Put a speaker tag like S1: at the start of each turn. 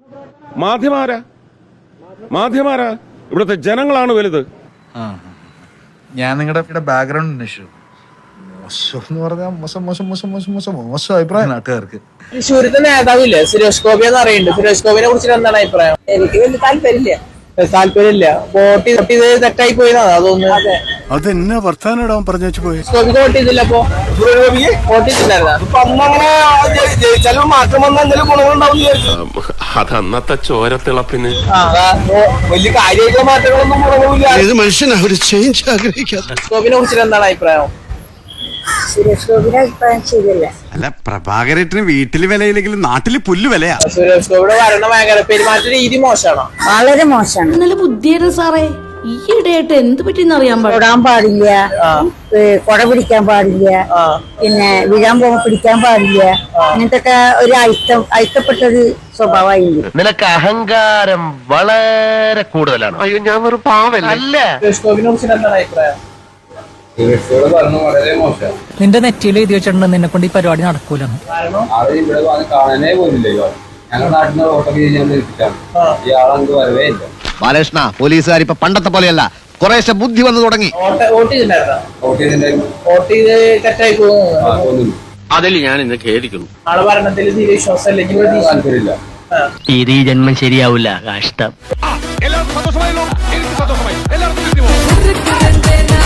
S1: മാധ്യമാരാ ഇവിടുത്തെ ജനങ്ങളാണ് വലുത്.
S2: ഞാൻ നിങ്ങളുടെ ബാക്ക്ഗ്രൗണ്ട് അന്വേഷിച്ചു. മോശം എന്ന് പറഞ്ഞാൽ മോശം അഭിപ്രായം നാട്ടുകാർക്ക്.
S3: തൃശ്ശൂരത്തെ നേതാവില്ലേ സുരേഷ് ഗോപി എന്ന് അറിയുന്നുണ്ട്. സുരേഷ് ഗോപിനെ കുറിച്ചിട്ട് എന്താണ് അഭിപ്രായം? എനിക്ക് വലിയ താല്പര്യമില്ല. വോട്ട് ചെയ്ത് തെറ്റായി പോയതാണ് അതൊന്നും.
S4: അതെന്നാ വർത്താനം പറഞ്ഞു വെച്ച് പോയി.
S3: ഗോപിക്ക് വോട്ട് ചെയ്തില്ല. അപ്പൊ വോട്ട് ചെയ്തില്ലായിരുന്നു. മാറ്റം വന്ന എന്തെങ്കിലും ഗുണങ്ങളുണ്ടാവും.
S1: അത് അന്നത്തെ ചോരത്തിളപ്പിന്
S3: വലിയ കാര്യമായിട്ടുള്ള മാറ്റങ്ങളൊന്നും ഗുണങ്ങളില്ല.
S4: മനുഷ്യനാ ഒരു ചേഞ്ച് ആഗ്രഹിക്കാത്ത.
S3: ഗോപിനെ കുറിച്ചിട്ട് എന്താണ് അഭിപ്രായം?
S5: സുരേഷ് ഗോപിയുടെ അഭിപ്രായം ശരിയല്ല.
S4: അല്ല, പ്രഭാകരേട്ടന് വീട്ടില് വിലയില്ലെങ്കിലും നാട്ടില് പുല്ല് വിലയാ.
S3: സുരേഷ് ഗോപിയുടെ ഭരണ മേഖല പെരുമാറ്റ രീതി മോശമാണോ?
S5: വളരെ മോശമാണ്.
S6: നല്ല ബുദ്ധിയാണ് സാറേ. ഈയിടെയായിട്ട് എന്ത് പറ്റിയെന്ന് അറിയാൻ
S5: തൊടാൻ പാടില്ല, കൊട പിടിക്കാൻ പാടില്ല, പിന്നെ വീഴാൻ പോകുമ്പോ പിടിക്കാൻ പാടില്ല. അങ്ങനത്തെ ഒക്കെ ഒരു അയിത്തപ്പെട്ടൊരു സ്വഭാവമായിരുന്നു.
S7: നിനക്ക് അഹങ്കാരം വളരെ കൂടുതലാണ്.
S1: അയ്യോ, ഞാൻ ഒരു പാവല്ല.
S3: സുരേഷ് ഗോപിനെ കുറിച്ചിട്ട് എന്താണ് അഭിപ്രായം?
S8: നിന്റെ നെറ്റിയിൽ എഴുതി വെച്ചിട്ടുണ്ട് നിന്നെ കൊണ്ട് ഈ പരിപാടി നടക്കൂല.
S9: കാണാനേ പോലില്ലല്ലോ. ഞങ്ങളുടെ നാട്ടിൽ നിന്ന് വോട്ടൊക്കെ ചെയ്യാൻ ഇയാളെന്ത് വരവേ ഇല്ല.
S7: ബാലകൃഷ്ണ, പോലീസുകാർ ഇപ്പൊ പണ്ടത്തെ പോലെയല്ല, കുറേശ്ശെ ബുദ്ധി വന്നു തുടങ്ങി.
S1: അതിൽ ഞാൻ ഇന്ന് ഖേദിക്കുന്നു.
S3: ആളെ ഭരണത്തിൽ തീരെ വിശ്വാസമില്ല.
S9: താല്പര്യമില്ല.
S7: ഈ ജന്മം ശരിയാവില്ല. കഷ്ടം.
S1: എല്ലാവർക്കും സന്തോഷമായല്ലോ. എനിക്ക് സന്തോഷമായി. എല്ലാവർക്കും